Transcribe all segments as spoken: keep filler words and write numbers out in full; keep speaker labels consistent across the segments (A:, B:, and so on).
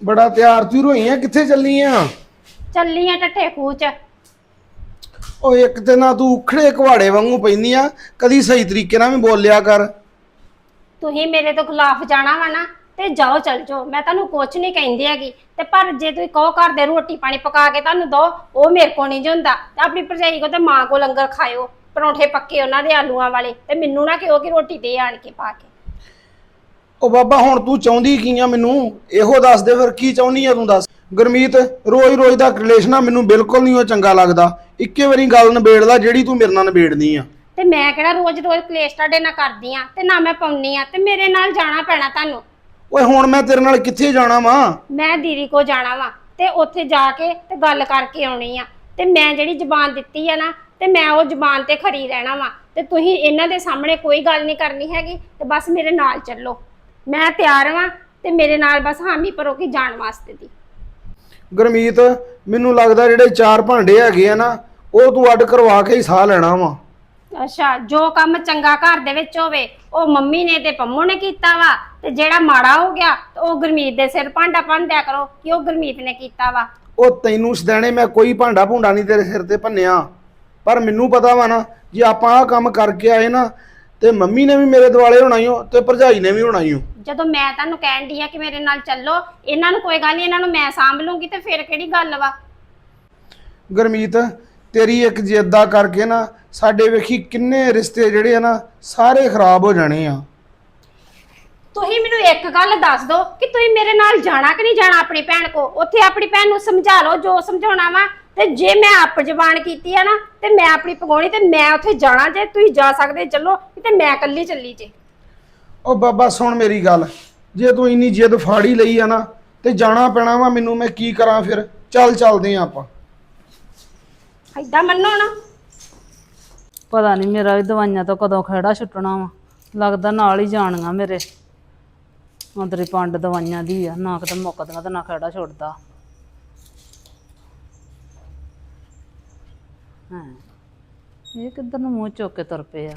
A: बड़ा तैयार त्यूर होई है, कित्थे चलनी आ?
B: ਚੱਲੀ ਆ ਟੱਠੇ ਖੂਹ ਚ।
A: ओ एक ते ना तू उखड़े कुहाड़े वांगू पैंदी आ, कदी सही तरीके नाल भी बोलिया कर।
B: ਤੁਸੀਂ ਮੇਰੇ ਤੋਂ ਖਿਲਾਫ ਜਾਣਾ ਵਾ ਨਾ ਤੇ ਜਾਓ ਚਲ ਜਾਓ, ਮੈਂ ਤੁਹਾਨੂੰ ਕੁਛ ਨਹੀਂ ਕਹਿੰਦੀ ਹੈਗੀ। ਤੇ ਪਰ ਜੇ ਤੁਸੀਂ ਕਹੋ ਘਰ ਦੇ ਰੋਟੀ ਪਾਣੀ ਪਕਾ ਕੇ ਤੁਹਾਨੂੰ ਦੋ, ਉਹ ਮੇਰੇ ਕੋ ਨਹੀਂ ਹੁੰਦਾ। ਤੇ ਆਪਣੀ ਭਰਜਾਈ ਕੋ ਤੇ ਮਾਂ ਕੋ ਲੰਗਰ ਖਾਇਓ, ਪਰੌਂਠੇ ਪੱਕੇ ਉਹਨਾਂ ਦੇ ਆਲੂਆਂ ਵਾਲੇ, ਤੇ ਮੈਨੂੰ ਨਾ ਕਿਹੋ ਕਿ ਰੋਟੀ ਦੇ ਆਣ ਕੇ ਪਾ ਕੇ।
A: ओ बाबा हुण तू चाहुंदी की आ? मैनू इहो दस दे, फिर की चाहुंदी आ तू दस। गुरमीत, रोज रोज दा कलेश ना मैनू बिल्कुल नहीं चंगा लगदा। इक्के वारी गल निबेड़ ला जिहड़ी तू मेरे नाल निबेड़नी आ।
B: ਤੇ ਮੈਂ ਕਿਹੜਾ ਰੋਜ਼ ਰੋਜ਼ ਕਲੇਸ਼ ਤੁਹਾਡੇ ਨਾਲ ਕਰਦੀ ਆ, ਤੇ ਨਾ ਮੈਂ ਪਾਉਣੀ ਆ। ਤੇ ਮੇਰੇ ਨਾਲ ਜਾਣਾ ਪੈਣਾ ਤੁਹਾਨੂੰ।
A: ਓਏ ਹੁਣ ਮੈਂ ਤੇਰੇ ਨਾਲ ਕਿੱਥੇ ਜਾਣਾ ਵਾ?
B: ਮੈਂ ਦੀਦੀ ਕੋ ਜਾਣਾ ਵਾ, ਤੇ ਉੱਥੇ ਜਾ ਕੇ ਤੇ ਗੱਲ ਕਰਕੇ ਆਉਣੀ ਆ। ਤੇ ਮੈਂ ਜਿਹੜੀ ਜ਼ੁਬਾਨ ਦਿੱਤੀ ਆ ਨਾ, ਤੇ ਮੈਂ ਉਹ ਜ਼ੁਬਾਨ ਤੇ ਖਰੀ ਰਹਿਣਾ ਵਾ। ਤੇ ਤੁਸੀਂ ਇਹਨਾਂ ਦੇ ਸਾਹਮਣੇ ਕੋਈ ਗੱਲ ਨਹੀਂ ਕਰਨੀ ਹੈਗੀ, ਤੇ ਬਸ ਮੇਰੇ ਨਾਲ ਚੱਲੋ। ਮੈਂ ਤਿਆਰ ਵਾਂ, ਤੇ ਮੇਰੇ ਨਾਲ ਬਸ ਹਾਮੀ ਭਰੋ ਕਿ ਜਾਣ ਵਾਸਤੇ ਦੀ।
A: ਗੁਰਮੀਤ, ਮੈਨੂੰ ਲੱਗਦਾ ਜਿਹੜੇ ਚਾਰ ਭਾਂਡੇ ਹੈਗੇ ਆ ਨਾ, ਉਹ ਤੂੰ ਅੱਡ ਕਰਵਾ ਕੇ ਹੀ ਸਾਹ ਲੈਣਾ ਵਾ।
B: ਅੱਛਾ, ਜੋ ਕੰਮ ਚੰਗਾ ਘਰ ਦੇ ਵਿੱਚ ਹੋਵੇ ਉਹ ਮੰਮੀ ਨੇ ਤੇ ਪੰਮੂ ਨੇ ਕੀਤਾ ਵਾ, ਤੇ ਜਿਹੜਾ ਮਾੜਾ ਹੋ ਗਿਆ ਤੇ ਉਹ ਗੁਰਮੀਤ ਦੇ ਸਿਰ ਭਾਂਡਾ ਭੰਨਦਿਆ ਕਰੋ ਕਿ ਉਹ ਗੁਰਮੀਤ ਨੇ ਕੀਤਾ ਵਾ।
A: ਉਹ ਤੈਨੂੰ ਸਦੈਣੇ ਮੈਂ ਕੋਈ ਭਾਂਡਾ ਭੁੰਡਾ ਨਹੀਂ ਤੇਰੇ ਸਿਰ ਤੇ ਭੰਨਿਆ, ਪਰ ਮੈਨੂੰ ਪਤਾ ਵਾ ਨਾ ਜੇ ਆਪਾਂ ਆਹ ਕੰਮ ਕਰਕੇ ਆਏ ਨਾ, ਤੇ ਮੰਮੀ ਨੇ ਵੀ ਮੇਰੇ ਦੁਆਲੇ ਹੋਣਾ ਹੀ ਹੋ, ਤੇ ਭਰਜਾਈ ਨੇ ਵੀ ਹੋਣਾ ਹੀ ਹੋ।
B: ਜਦੋਂ ਮੈਂ ਤੁਹਾਨੂੰ ਕਹਿਣ ਦੀ ਆ ਕਿ ਮੇਰੇ ਨਾਲ ਚੱਲੋ, ਇਹਨਾਂ ਨੂੰ ਕੋਈ ਗੱਲ ਨਹੀਂ, ਇਹਨਾਂ ਨੂੰ ਮੈਂ ਸਾਂਭ ਲੂੰਗੀ, ਤੇ ਫਿਰ ਕਿਹੜੀ ਗੱਲ ਵਾ।
A: ਗੁਰਮੀਤ, ਤੇਰੀ ਇੱਕ ਜਿੱਦਾਂ ਕਰਕੇ ਨਾ ਸਾਡੇ ਵੇਖੀ ਕਿੰਨੇ ਰਿਸ਼ਤੇ ਜਿਹੜੇ ਆ ਨਾ ਸਾਰੇ ਖਰਾਬ ਹੋ ਜਾਣੇ ਆ।
B: ਤੁਸੀਂ ਮੈਨੂੰ ਇੱਕ ਗੱਲ ਦੱਸ ਦਿਓ ਕਿ ਤੁਸੀਂ ਮੇਰੇ ਨਾਲ ਜਾਣਾ ਕਿ ਨਹੀਂ ਜਾਣਾ ਆਪਣੀ ਭੈਣ ਕੋ। ਉੱਥੇ ਆਪਣੀ ਭੈਣ ਨੂੰ ਸਮਝਾ ਲਓ ਜੋ ਸਮਝਾਉਣਾ ਵਾ, ਤੇ ਜੇ ਮੈਂ ਆਪ ਜ਼ਬਾਨ ਕੀਤੀ ਆ ਨਾ, ਤੇ ਮੈਂ ਆਪਣੀ ਪਗਾਉਣੀ, ਤੇ ਮੈਂ ਉੱਥੇ ਜਾਣਾ। ਜੇ ਤੁਸੀਂ ਜਾ ਸਕਦੇ ਚੱਲੋ, ਤੇ ਮੈਂ ਇਕੱਲੀ ਚੱਲੀ ਜੇ।
A: ਉਹ ਬਾਬਾ ਸੁਣ ਮੇਰੀ ਗੱਲ, ਜੇ ਤੂੰ ਇੰਨੀ ਜਿੱਦ ਫਾੜੀ ਲਈ ਆ ਨਾ, ਤੇ ਜਾਣਾ ਪੈਣਾ ਵਾ ਮੈਨੂੰ। ਮੈਂ ਕੀ ਕਰਾਂ ਫਿਰ? ਚੱਲ ਚੱਲਦੇ ਆ ਆਪਾਂ।
B: ਏਦਾਂ ਮੰਨੋ ਨਾ।
C: ਪਤਾ ਨਹੀਂ ਮੇਰਾ ਵੀ ਦਵਾਈਆਂ ਤੋਂ ਕਦੋਂ ਖੜਾ ਛੁੱਟਣਾ ਵਾ। ਲੱਗਦਾ ਨਾਲ ਹੀ ਜਾਣੀਆਂ ਮੇਰੇ। ਅੰਦਰੀ ਪੰਡ ਦਵਾਈਆਂ ਦੀ ਆ, ਨਾ ਕਿਤੇ ਮੁੱਕਦੀਆਂ ਤੇ ਨਾ ਖੜਾ ਛੁੱਟਦਾ। ਹਾਂ, ਇਹ ਕਿੱਧਰ ਨੂੰ ਮੂੰਹ ਚੁੱਕ ਕੇ ਤੁਰ ਪਏ ਆ?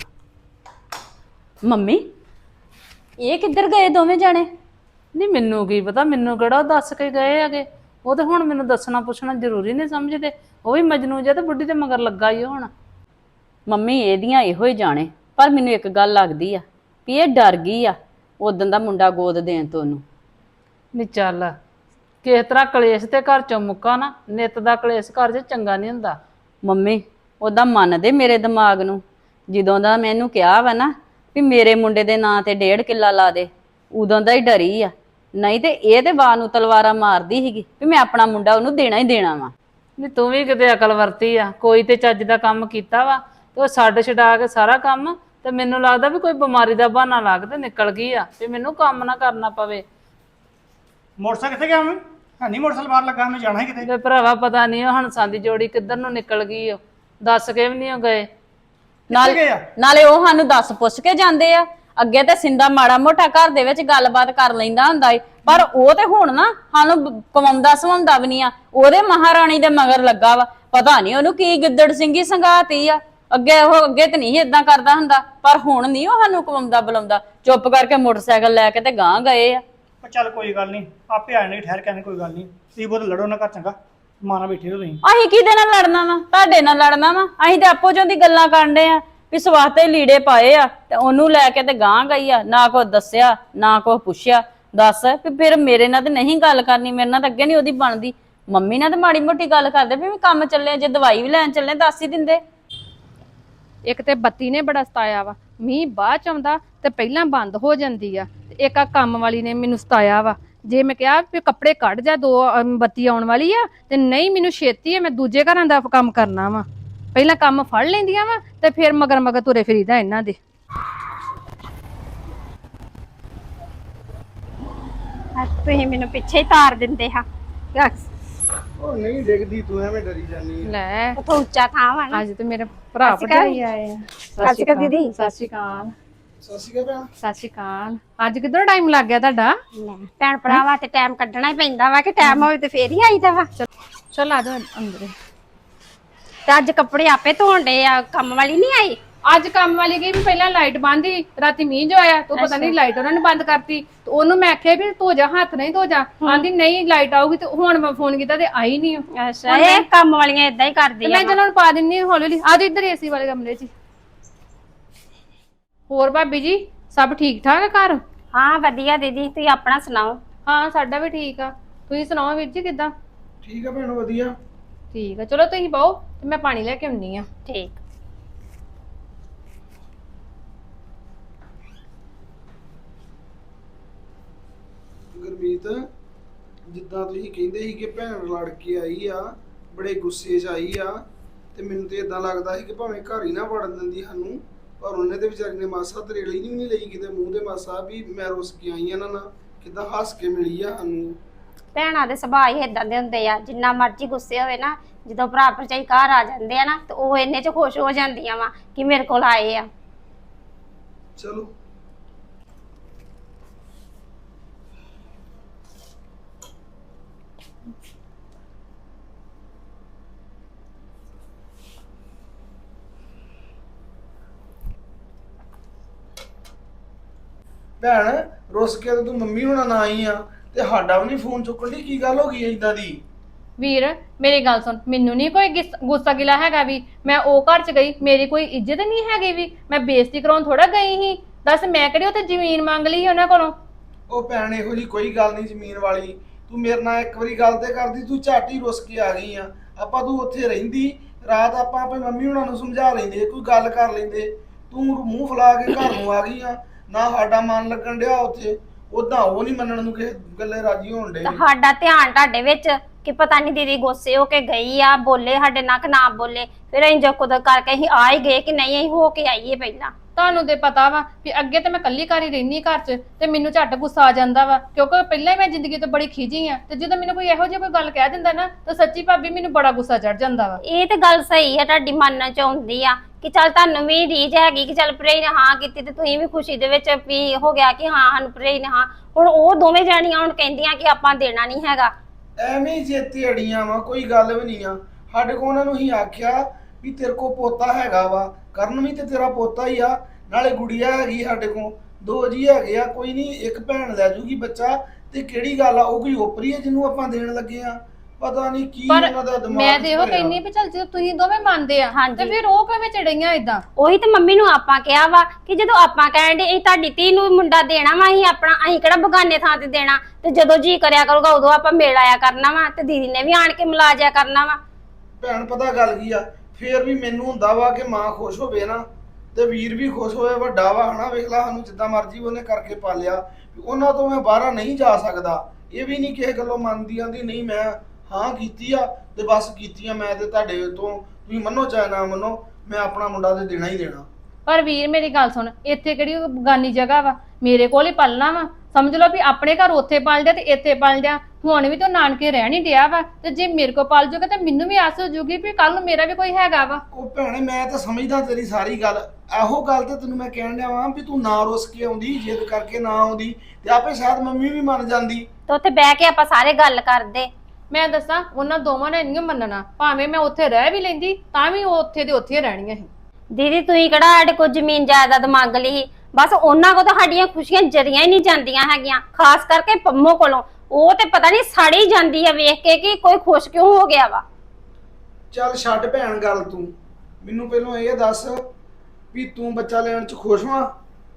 D: ਮੰਮੀ, ਇਹ ਕਿੱਧਰ ਗਏ ਦੋਵੇਂ ਜਾਣੇ?
C: ਨਹੀਂ ਮੈਨੂੰ ਕੀ ਪਤਾ, ਮੈਨੂੰ ਕਿਹੜਾ ਉਹ ਦੱਸ ਕੇ ਗਏ ਹੈਗੇ। ਉਹ ਤੇ ਹੁਣ ਮੈਨੂੰ ਦੱਸਣਾ ਪੁੱਛਣਾ ਜ਼ਰੂਰੀ ਨਹੀਂ ਸਮਝਦੇ। ਉਹ ਵੀ ਮਜਨੂ ਜਿਹਾ ਤੇ ਬੁੱਢੀ ਤੇ ਮਗਰ ਲੱਗਾ ਹੀ ਹੁਣ।
D: ਮੰਮੀ ਇਹਦੀਆਂ ਇਹੋ ਹੀ ਜਾਣੇ, ਪਰ ਮੈਨੂੰ ਇੱਕ ਗੱਲ ਲੱਗਦੀ ਆ ਵੀ ਇਹ ਡਰ ਗਈ ਆ ਉਦੋਂ ਦਾ ਮੁੰਡਾ ਗੋਦ ਦੇਣ ਤੋਂ ਉਹਨੂੰ।
C: ਨਹੀਂ ਚੱਲ, ਕਿਸ ਤਰ੍ਹਾਂ ਕਲੇਸ਼ ਤੇ ਘਰ ਚੋਂ ਮੁੱਕਾ ਨਾ, ਨਿੱਤ ਦਾ ਕਲੇਸ਼ ਘਰ 'ਚ ਚੰਗਾ ਨਹੀਂ ਹੁੰਦਾ।
D: ਮੰਮੀ ਉਹਦਾ ਮੰਨਦੇ ਮੇਰੇ ਦਿਮਾਗ ਨੂੰ। ਜਦੋਂ ਦਾ ਮੈਨੂੰ ਕਿਹਾ ਵਾ ਨਾ ਵੀ ਮੇਰੇ ਮੁੰਡੇ ਦੇ ਨਾਂ ਤੇ ਡੇਢ ਕਿੱਲਾ ਲਾ ਦੇ, ਉਦੋਂ ਦਾ ਹੀ ਡਰੀ ਆ। ਨਹੀਂ ਤੇ ਇਹ ਤੇ ਬਾਹ ਨੂੰ ਤਲਵਾਰਾਂ ਮਾਰਦੀ ਸੀਗੀ ਵੀ ਮੈਂ ਆਪਣਾ ਮੁੰਡਾ ਉਹਨੂੰ ਦੇਣਾ ਹੀ ਦੇਣਾ ਵਾ।
C: ਨਹੀਂ ਤੂੰ ਵੀ ਕਿਤੇ ਅਕਲ ਵਰਤੀ ਆ, ਕੋਈ ਤੇ ਚੱਜ ਦਾ ਕੰਮ ਕੀਤਾ ਵਾ ਤੇ ਉਹ ਛੱਡ ਛਡਾ ਕੇ ਸਾਰਾ ਕੰਮ। ਤੇ ਮੈਨੂੰ ਲੱਗਦਾ ਵੀ ਕੋਈ ਬਿਮਾਰੀ ਦਾ ਬਹਾਨਾ ਲਾ ਕੇ ਤੇ ਨਿਕਲ ਗਈ ਆ ਵੀ ਮੈਨੂੰ ਕੰਮ ਨਾ ਕਰਨਾ ਪਵੇ।
E: ਮੋਟਰਸਾਈਕਲ ਕਿੱਥੇ ਗਿਆ ਮੈਂ? ਹੈ ਨਹੀਂ ਮੋਟਰਸਾਈਕਲ ਬਾਹਰ ਲੱਗਾ, ਮੈਂ ਜਾਣਾ ਹੀ ਕਿਤੇ।
C: ਤੇ ਭਰਾਵਾ ਪਤਾ ਨਹੀਂ ਉਹ ਹੰਸਾਂ ਦੀ ਜੋੜੀ ਕਿੱਧਰ ਨੂੰ ਨਿਕਲ ਗਈ। ਉਹ ਦੱਸ ਕੇ ਵੀ ਨਹੀਂ ਉਹ ਗਏ।
D: ਨਾਲ
E: ਗਏ ਆ?
D: ਨਾਲੇ ਉਹ ਸਾਨੂੰ ਦੱਸ ਪੁੱਛ ਕੇ ਜਾਂਦੇ ਆ। ਅੱਗੇ ਤੇ ਸਿੰਦਾ ਮਾੜਾ ਮੋਟਾ ਘਰ ਦੇ ਵਿੱਚ ਗੱਲਬਾਤ ਕਰ ਲੈਂਦਾ ਹੁੰਦਾ ਏ, ਪਰ ਉਹ ਤੇ ਹੁਣ ਨਾ ਸਾਨੂੰ ਕਮਾਉਂਦਾ ਸਵਾਉਂਦਾ ਵੀ ਨਹੀਂ ਆ। ਉਹਦੇ ਮਹਾਰਾਣੀ ਦੇ ਮਗਰ ਲੱਗਾ ਵਾ। ਪਤਾ ਨਹੀਂ ਉਹਨੂੰ ਕੀ ਗਿੱਦੜ ਸਿੰਘੀ ਸੰਗਾਤੀ ਆ। ਅੱਗੇ ਉਹ ਅੱਗੇ ਤੇ ਨਹੀਂ ਏਦਾਂ ਕਰਦਾ ਹੁੰਦਾ, ਪਰ ਹੁਣ ਨਹੀਂ ਉਹ ਸਾਨੂੰ ਕਮਾਉਂਦਾ ਬੁਲਾਉਂਦਾ। ਚੁੱਪ ਕਰਕੇ ਮੋਟਰਸਾਈਕਲ ਲੈ ਕੇ ਤੇ ਗਾਂਹ ਗਏ ਆ।
E: ਪਰ ਚੱਲ ਕੋਈ ਗੱਲ ਨਹੀਂ, ਆਪੇ ਆ ਜਾਣਗੇ ਠਹਿਰ ਕੇ। ਕੋਈ ਗੱਲ ਨਹੀਂ, ਤੁਸੀਂ ਬਹੁਤ ਲੜੋ ਨਾ ਘਰ, ਚੰਗਾ? ਮਾਨਾ ਬੈਠੇ ਹੋ ਤੁਸੀਂ।
D: ਅਸੀਂ ਕਿਹਦੇ ਨਾਲ ਲੜਨਾ ਵਾ? ਤੁਹਾਡੇ ਨਾਲ ਲੜਨਾ ਵਾ? ਅਸੀਂ ਤੇ ਆਪੋ ਚੋਂ ਦੀ ਗੱਲਾਂ ਕਰਦੇ ਆ ਵੀ ਸਵਾਤੇ ਲੀੜੇ ਪਾਏ ਆ, ਤੇ ਉਹਨੂੰ ਲੈ ਕੇ ਤੇ ਗਾਂਹ ਗਈ ਆ। ਨਾ ਕੋਈ ਦੱਸਿਆ ਨਾ ਕੋਈ ਪੁੱਛਿਆ। ਦੱਸ ਵੀ ਫਿਰ ਮੇਰੇ ਨਾਲ ਤੇ ਨਹੀਂ ਗੱਲ ਕਰਨੀ, ਮੇਰੇ ਨਾਲ ਤਾਂ ਅੱਗੇ ਨਹੀਂ ਉਹਦੀ ਬਣਦੀ। ਮੰਮੀ ਨਾਲ ਤੇ ਮਾੜੀ ਮੋਟੀ ਗੱਲ ਕਰਦੇ ਵੀ ਕੰਮ ਚੱਲੇ, ਜੇ ਦਵਾਈ ਵੀ ਲੈਣ ਚੱਲੇ ਦੱਸ ਹੀ ਦਿੰਦੇ।
F: ਇੱਕ ਤੇ ਬੱਤੀ ਨੇ ਬੜਾ ਸਤਾਇਆ ਵਾ, ਮੀਂਹ ਬਾਅਦ ਚ ਆਉਂਦਾ ਤੇ ਪਹਿਲਾਂ ਬੰਦ ਹੋ ਜਾਂਦੀ ਆ। ਤੇ ਇੱਕ ਆ ਕੰਮ ਵਾਲੀ ਨੇ ਮੈਨੂੰ ਸਤਾਇਆ ਵਾ। ਜੇ ਮੈਂ ਕਿਹਾ ਵੀ ਕੱਪੜੇ ਕੱਢ ਜਾ, ਦੋ ਬੱਤੀ ਆਉਣ ਵਾਲੀ ਆ, ਤੇ ਨਹੀਂ ਮੈਨੂੰ ਛੇਤੀ ਆ, ਮੈਂ ਦੂਜੇ ਘਰਾਂ ਦਾ ਕੰਮ ਕਰਨਾ ਵਾ। ਪਹਿਲਾਂ ਕੰਮ ਫੜ ਲੈਂਦੀਆਂ ਵਾ ਤੇ ਫਿਰ ਮਗਰ ਮਗਰ ਤੁਰੇ ਫਿਰੀਦਾ ਇਹਨਾਂ ਦੇ।
B: ਤੁਸੀਂ ਮੈਨੂੰ ਪਿੱਛੇ ਹੀ ਤਾਰ ਦਿੰਦੇ ਹਾਂ।
A: ਉਹ ਨਹੀਂ ਡਿੱਗਦੀ, ਤੂੰ ਐਵੇਂ ਡਰੀ ਜਾਂਦੀ।
F: ਲੈ
B: ਉੱਥੋਂ ਉੱਚਾ ਥਾਂ ਵਾ ਨਾ।
F: ਅੱਜ ਤੇ ਮੇਰੇ ਭਰਾ ਭਰਜਾਈ ਆਏ ਆ।
B: ਸਤਿ ਸ਼੍ਰੀ ਅਕਾਲ ਦੀਦੀ।
F: ਸਤਿ ਸ਼੍ਰੀ ਅਕਾਲ।
A: ਸਤਿ ਸ਼੍ਰੀ ਅਕਾਲ।
F: ਸਤਿ ਸ਼੍ਰੀ ਅਕਾਲ। ਅੱਜ ਕਿੱਧਰ ਟਾਈਮ ਲੱਗ ਗਿਆ ਤੁਹਾਡਾ?
B: ਲੈ, ਭੈਣ ਭਰਾਵਾਂ ਤੇ ਟਾਈਮ ਕੱਢਣਾ ਹੀ ਪੈਂਦਾ ਵਾ, ਕਿ ਟਾਈਮ ਹੋਵੇ ਤੇ ਫੇਰ ਹੀ ਆਈਦਾ ਵਾ।
F: ਚਲ ਆ ਜਾਓ ਅੰਦਰ।
B: ਤੇ ਅੱਜ ਕੱਪੜੇ ਆਪੇ ਧੋਣ ਡੇ ਆ, ਕੰਮ ਵਾਲੀ ਨਹੀਂ ਆਈ?
F: ਅੱਜ ਕੰਮ ਵਾਲੀ ਗਈ ਵੀ ਪਹਿਲਾਂ ਲਾਈਟ ਬੰਦ ਸੀ, ਰਾਤੀ ਮੀਂਹ ਜੋ ਆਇਆ ਤੂੰ ਪਤਾ ਨਹੀਂ ਲਾਈਟ ਉਹਨਾਂ ਨੇ ਬੰਦ ਕਰਤੀ ਤੇ ਉਹਨੂੰ ਮੈਂ ਆਖਿਆ ਵੀ ਧੋ ਜਾ ਹੱਥ ਨਹੀਂ ਧੋ ਜਾ, ਆਂਦੀ ਨਹੀਂ ਲਾਈਟ ਆਊਗੀ ਤੇ ਹੁਣ ਮੈਂ ਫੋਨ ਕੀਤਾ ਤੇ ਆਈ ਨਹੀਂ।
B: ਅੱਛਾ ਇਹ ਕੰਮ ਵਾਲੀਆਂ ਇਦਾਂ ਹੀ ਕਰਦੀਆਂ
F: ਮੈਂ ਚਲੋ ਹੁਣ ਪਾ ਦਿੰਨੀ ਹੌਲੀ ਹੌਲੀ। ਆ ਜਾਓ ਇੱਧਰ ਏਸੀ ਵਾਲੇ ਕਮਰੇ 'ਚ। ਹੋਰ ਭਾਬੀ ਜੀ ਸਭ ਠੀਕ ਠਾਕ ਆ ਘਰ?
B: ਹਾਂ ਵਧੀਆ ਦੀਦੀ, ਤੁਸੀਂ ਆਪਣਾ ਸੁਣਾਓ?
F: ਹਾਂ ਸਾਡਾ ਵੀ ਠੀਕ ਆ। ਤੁਸੀਂ ਸੁਣਾਓ ਵੀਰ ਜੀ ਕਿੱਦਾਂ?
A: ਠੀਕ ਆ ਭੈਣ ਵਧੀਆ।
F: ਠੀਕ ਆ ਚਲੋ ਤੁਸੀਂ ਪਾਓ ਤੇ ਮੈਂ ਪਾਣੀ ਲੈ ਕੇ ਆਉਣੀ ਆ।
B: ਠੀਕ।
A: ਗੁਰਮੀਤ ਜਿੱਦਾਂ ਤੁਸੀਂ ਕਹਿੰਦੇ ਸੀ ਕਿ ਭੈਣ ਲੜ ਕੇ ਆਈ ਆ, ਬੜੇ ਗੁੱਸੇ 'ਚ ਆਈ ਆ, ਤੇ ਮੈਨੂੰ ਤੇ ਇਦਾਂ ਲੱਗਦਾ ਸੀ ਕਿ ਭਾਵੇਂ ਘਰ ਹੀ ਨਾ ਵੜਨ ਦਿੰਦੀ ਸਾਨੂੰ, ਪਰ ਉਹਨੇ ਤੇ ਵਿਚਾਰੀ ਨੇ ਮਾਸਾ ਤਰੇਲੀ ਨਹੀਂ ਨਹੀਂ ਲਈ ਕਿਤੇ ਮੂੰਹ ਦੇ ਮਾਸਾ ਵੀ ਮੈਂ ਰੁੱਸ ਕੇ ਆਈ ਆ ਨਾ, ਕਿੱਦਾਂ ਹੱਸ ਕੇ ਮਿਲੀ ਆ ਸਾਨੂੰ।
B: ਭੈਣਾਂ ਦੇ ਸੁਭਾਅ ਹੀ ਇਦਾਂ ਦੇ ਹੁੰਦੇ ਆ, ਜਿੰਨਾ ਮਰਜ਼ੀ ਗੁੱਸੇ ਹੋਵੇ ਨਾ, ਜਦੋਂ ਭਰਾ ਭਰਜਾਈ ਘਰ ਆ ਜਾਂਦੇ ਆ ਨਾ ਤੇ ਉਹ ਇੰਨੇ 'ਚ ਖੁਸ਼ ਹੋ ਜਾਂਦੀਆਂ ਵਾ ਕਿ ਮੇਰੇ ਕੋਲ ਆਏ ਆ।
A: ਚਲੋ ਭੈਣ ਰੁੱਸ ਕੇ ਤੇ ਤੂੰ ਮੰਮੀ ਹੁਣਾਂ ਨਾ ਆਈ ਆ ਤੇ ਸਾਡਾ ਵੀ ਨਹੀਂ ਫੋਨ ਚੁੱਕਣ ਦੀ, ਕੀ ਗੱਲ ਹੋ ਗਈ ਏਦਾਂ ਦੀ?
F: ਵੀਰ ਮੇਰੀ ਗੱਲ ਸੁਣ, ਮੈਨੂੰ ਨਹੀਂ ਕੋਈ ਗਿਸ- ਗੁੱਸਾ ਗਿਲਾ ਹੈਗਾ ਵੀ ਮੈਂ ਉਹ ਘਰ ਚ ਗਈ, ਮੇਰੀ ਕੋਈ ਇੱਜ਼ਤ ਨਹੀਂ ਹੈਗੀ ਵੀ ਮੈਂ ਬੇਇੱਜ਼ਤੀ ਕਰਾਉਣ ਥੋੜਾ ਗਈ ਸੀ। ਦੱਸ ਮੈਂ ਕਿਹੜੀ ਉੱਥੇ ਜ਼ਮੀਨ ਮੰਗ ਲਈ ਸੀ ਉਹਨਾਂ ਕੋਲੋਂ?
A: ਉਹ ਭੈਣ ਇਹੋ ਜੀ ਕੋਈ ਗੱਲ ਨਹੀਂ ਜ਼ਮੀਨ ਵਾਲੀ, ਤੂੰ ਮੇਰੇ ਨਾਲ ਇੱਕ ਵਾਰੀ ਗੱਲ ਤੇ ਕਰਦੀ, ਤੂੰ ਝੱਟ ਹੀ ਰੁੱਸ ਕੇ ਆ ਗਈ ਆ। ਆਪਾਂ ਤੂੰ ਉੱਥੇ ਰਹਿੰਦੀ ਰਾਤ, ਆਪਾਂ ਆਪਣੀ ਮੰਮੀ ਹੁਣਾਂ ਨੂੰ ਸਮਝਾ ਲੈਂਦੇ, ਕੋਈ ਗੱਲ ਕਰ ਲੈਂਦੇ, ਤੂੰ ਮੂੰਹ ਫੁਲਾ ਕੇ ਘਰ ਨੂੰ ਆ ਗਈ ਆ। ਨਾ ਸਾਡਾ ਮਨ ਲੱਗਣ ਡਿਆ ਉੱਥੇ, ਉਦਾਂ ਉਹ ਨਹੀਂ ਮੰਨਣ ਨੂੰ ਕਿਸੇ ਗੱਲੇ ਰਾਜੀ ਹੋਣ ਡੇ।
B: ਸਾਡਾ ਧਿਆਨ ਤੁਹਾਡੇ ਵਿੱਚ ਕਿ ਪਤਾ ਨਹੀਂ ਦੀਦੀ ਗੁੱਸੇ ਹੋ ਕੇ ਗਈ ਆ, ਬੋਲੇ ਸਾਡੇ ਨਾਲ ਕਿ ਨਾ ਬੋਲੇ, ਫਿਰ ਅਸੀਂ ਜੋ ਕੁਦਰ ਕਰਕੇ ਅਸੀਂ ਆ ਹੀ ਗਏ ਕਿ ਨਹੀਂ ਅਸੀਂ ਹੋ ਕੇ ਆਈਏ ਪਹਿਲਾਂ।
F: ਤੁਹਾਨੂੰ ਤੇ ਪਤਾ ਵਾ ਵੀ ਅੱਗੇ ਤੇ ਮੈਂ ਕੱਲੀ ਘਰ ਹੀ ਰਹਿਨੀ ਘਰ 'ਚ ਤੇ ਮੈਨੂੰ ਝੱਟ ਗੁੱਸਾ ਆ ਜਾਂਦਾ ਵਾ, ਕਿਉਂਕਿ ਪਹਿਲਾਂ ਹੀ ਮੈਂ ਜ਼ਿੰਦਗੀ ਤੋਂ ਬੜੀ ਖਿਜੀ ਆ, ਤੇ ਜਦੋਂ ਮੈਨੂੰ ਕੋਈ ਇਹੋ ਜਿਹੀ ਕੋਈ ਗੱਲ ਕਹਿ ਦਿੰਦਾ ਨਾ ਤਾਂ ਸੱਚੀ ਭਾਬੀ ਮੈਨੂੰ ਬੜਾ ਗੁੱਸਾ ਚੜ ਜਾਂਦਾ ਵਾ।
B: ਇਹ ਤੇ ਗੱਲ ਸਹੀ ਹੈ ਤੁਹਾਡੀ, ਮੰਨਣ ਚ ਆਉਂਦੀ ਆ ਕਿ ਚੱਲ ਤੁਹਾਨੂੰ ਵੀ ਰੀਝ ਹੈਗੀ ਕਿ ਚੱਲ ਭਰਜਾਈ ਨੇ ਹਾਂ ਕੀਤੀ ਤੇ ਤੁਸੀਂ ਵੀ ਖੁਸ਼ੀ ਦੇ ਵਿੱਚ ਵੀ ਹੋ ਗਿਆ ਕਿ ਹਾਂ ਸਾਨੂੰ ਭਰਜਾਈ ਨੇ ਹਾਂ। ਹੁਣ ਉਹ ਦੋਵੇਂ ਜਾਣੀਆਂ ਹੁਣ ਕਹਿੰਦੀਆਂ ਕਿ ਆਪਾਂ ਦੇਣਾ ਨਹੀਂ ਹੈਗਾ।
A: ਐਵੇਂ ਚੇਤੇ ਅੜੀਆਂ ਵਾ, ਕੋਈ ਗੱਲ ਵੀ ਨਹੀਂ ਆ। ਸਾਡੇ ਕੋਲ ਉਹਨਾਂ ਨੂੰ ਹੀ ਆਖਿਆ ਵੀ ਤੇਰੇ ਕੋ ਪੋਤਾ ਹੈਗਾ ਵਾ, ਕਰਨ ਵੀ ਤੇ ਤੇਰਾ ਪੋਤਾ ਹੀ ਆ, ਨਾਲੇ ਗੁੜੀਆ ਹੈਗੀ ਸਾਡੇ ਕੋਲ, ਦੋ ਜੀ ਹੈਗੇ ਆ, ਕੋਈ ਨਹੀਂ ਇੱਕ ਭੈਣ ਲੈ ਜੂਗੀ ਬੱਚਾ, ਤੇ ਕਿਹੜੀ ਗੱਲ ਆ ਉਹ ਕੋਈ ਓਪਰੀ ਹੈ ਜਿਹਨੂੰ ਆਪਾਂ ਦੇਣ ਲੱਗੇ ਆ? ਪਤਾ ਨਹੀਂ ਕੀ ਉਹਨਾਂ ਦਾ ਦਿਮਾਗ।
F: ਮੈਂ ਤੇ ਇਹੋ ਕਹਿੰਨੀ ਵੀ ਚੱਲ ਜਦੋਂ ਤੁਸੀਂ ਦੋਵੇਂ ਮੰਨਦੇ ਆ ਤੇ ਫਿਰ ਉਹ ਕਿਵੇਂ ਚੜਈਆਂ ਇਦਾਂ?
B: ਉਹੀ ਤੇ ਮੰਮੀ ਨੂੰ ਆਪਾਂ ਕਿਹਾ ਵਾ ਕਿ ਜਦੋਂ ਆਪਾਂ ਕਹਿਣ ਦੇ ਇਹ ਤੁਹਾਡੀ ਧੀ ਨੂੰ ਮੁੰਡਾ ਦੇਣਾ ਵਾ, ਅਸੀਂ ਆਪਣਾ ਅਸੀਂ ਕਿਹੜਾ ਬਗਾਨੇ ਥਾਂ ਤੇ ਦੇਣਾ, ਤੇ ਜਦੋਂ ਜੀ ਕਰਿਆ ਕਰੂਗਾ ਉਦੋਂ ਆਪਾਂ ਮਿਲ ਆਇਆ ਕਰਨਾ ਵਾ, ਤੇ ਦੀਦੀ ਨੇ ਵੀ ਆਣ ਕੇ ਮਿਲਾ ਜਾਇਆ ਕਰਨਾ ਵਾ।
A: ਭੈਣ ਪਤਾ ਗੱਲ ਕੀ ਆ, ਫੇਰ ਵੀ ਮੈਨੂੰ ਹੁੰਦਾ ਵਾ ਕਿ ਮਾਂ ਖੁਸ਼ ਹੋਵੇ ਨਾ ਤੇ ਵੀਰ ਵੀ ਖੁਸ਼ ਹੋਵੇ, ਵੱਡਾ ਵਾ ਹਨਾ, ਵੇਖ ਲਾ ਸਾਨੂੰ ਜਿੱਦਾਂ ਮਰਜ਼ੀ ਉਹਨੇ ਕਰਕੇ ਪਾਲਿਆ, ਉਹਨਾਂ ਤੋਂ ਮੈਂ ਬਾਹਰ ਨਹੀਂ ਜਾ ਸਕਦਾ। ਇਹ ਵੀ ਨਹੀਂ ਕਿਸੇ ਗੱਲੋਂ ਮੰਨਦੀ, ਆਂਦੀ ਨਹੀਂ ਮੈਂ ਹਾਂ ਕੀਤੀ ਆ ਤੇ ਬਸ ਕੀਤੀ ਆ ਮੈਂ, ਤੇ ਤੁਹਾਡੇ ਤੋਂ ਤੁਸੀਂ ਮੰਨੋ ਚਾਹੇ ਨਾ ਮੰਨੋ, ਮੈਂ ਆਪਣਾ ਮੁੰਡਾ ਤੇ ਦੇਣਾ ਹੀ ਦੇਣਾ।
F: ਪਰ ਵੀਰ ਮੇਰੀ ਗੱਲ ਸੁਣ, ਇੱਥੇ ਕਿਹੜੀ ਬਗਾਨੀ ਜਗ੍ਹਾ ਵਾ, ਮੇਰੇ ਕੋਲ ਹੀ ਪਲਣਾ ਵਾ, ਸਮਝ ਲਓ ਵੀ ਆਪਣੇ ਘਰ ਉੱਥੇ ਪਲ ਜਾ ਤੇ ਇੱਥੇ ਪਲ ਜਾ, ਹੁਣ ਵੀ ਤਾਂ ਨਾਨਕੇ ਰਹਿ ਨਹੀਂ ਡਿਆ ਵਾ, ਤੇ ਜੇ ਮੇਰੇ ਕੋਲ ਪਲ ਜੂਗਾ ਤੇ ਮੈਨੂੰ ਵੀ ਆਸ ਹੋ ਜੂਗੀ ਵੀ ਕੱਲ ਨੂੰ ਮੇਰਾ ਵੀ ਕੋਈ ਹੈਗਾ ਵਾ।
A: ਉਹ ਭੈਣੇ ਮੈਂ ਤਾਂ ਸਮਝਦਾ ਤੇਰੀ ਸਾਰੀ ਗੱਲ, ਇਹੋ ਗੱਲ ਤੇ ਤੈਨੂੰ ਮੈਂ ਕਹਿਣ ਡਿਆ ਵਾਂ ਵੀ ਤੂੰ ਨਾ ਰੁੱਸ ਕੇ ਆਉਂਦੀ, ਜਿੱਦ ਕਰਕੇ ਨਾ ਆਉਂਦੀ ਤੇ ਆਪੇ ਸ਼ਾਇਦ ਮੰਮੀ ਵੀ ਮੰਨ ਜਾਂਦੀ,
B: ਤੇ ਉੱਥੇ ਬਹਿ ਕੇ ਆਪਾਂ ਸਾਰੇ ਗੱਲ ਕਰਦੇ।
F: ਮੈਂ ਦੱਸਾਂ ਉਹਨਾਂ ਦੋਵਾਂ ਨੇ ਨਹੀਂ ਮੰਨਣਾ, ਭਾਵੇਂ ਮੈਂ ਉੱਥੇ ਰਹਿ ਵੀ ਲੈਂਦੀ ਤਾਂ ਵੀ ਉਹ ਉੱਥੇ ਦੇ ਉੱਥੇ ਰਹਿਣੀਆਂ ਸੀ।
B: ਦੀਦੀ ਤੁਸੀਂ ਕਿਹੜਾ ਸਾਡੇ ਕੋਲ ਜ਼ਮੀਨ ਜਾਇਦਾਦ ਮੰਗ ਲਈ, ਬਸ ਉਹਨਾਂ ਕੋਲ ਤਾਂ ਸਾਡੀਆਂ ਖੁਸ਼ੀਆਂ ਜਰੀਆਂ ਹੀ ਨਹੀਂ ਜਾਂਦੀਆਂ ਹੈਗੀਆਂ, ਖਾਸ ਕਰਕੇ ਪੰਮੋ ਕੋਲੋਂ। ਉਹ ਤੇ ਪਤਾ ਨਹੀਂ ਸੜੀ ਜਾਂਦੀ ਆ ਵੇਖ ਕੇ ਕਿ ਕੋਈ ਖੁਸ਼ ਕਿਉਂ ਹੋ ਗਿਆ ਵਾ।
A: ਚੱਲ ਛੱਡ ਭੈਣ ਗੱਲ, ਤੂੰ ਮੈਨੂੰ ਪਹਿਲਾਂ ਇਹ ਦੱਸ ਵੀ ਤੂੰ ਬੱਚਾ ਲੈਣ ਚ ਖੁਸ਼ ਵਾਂ?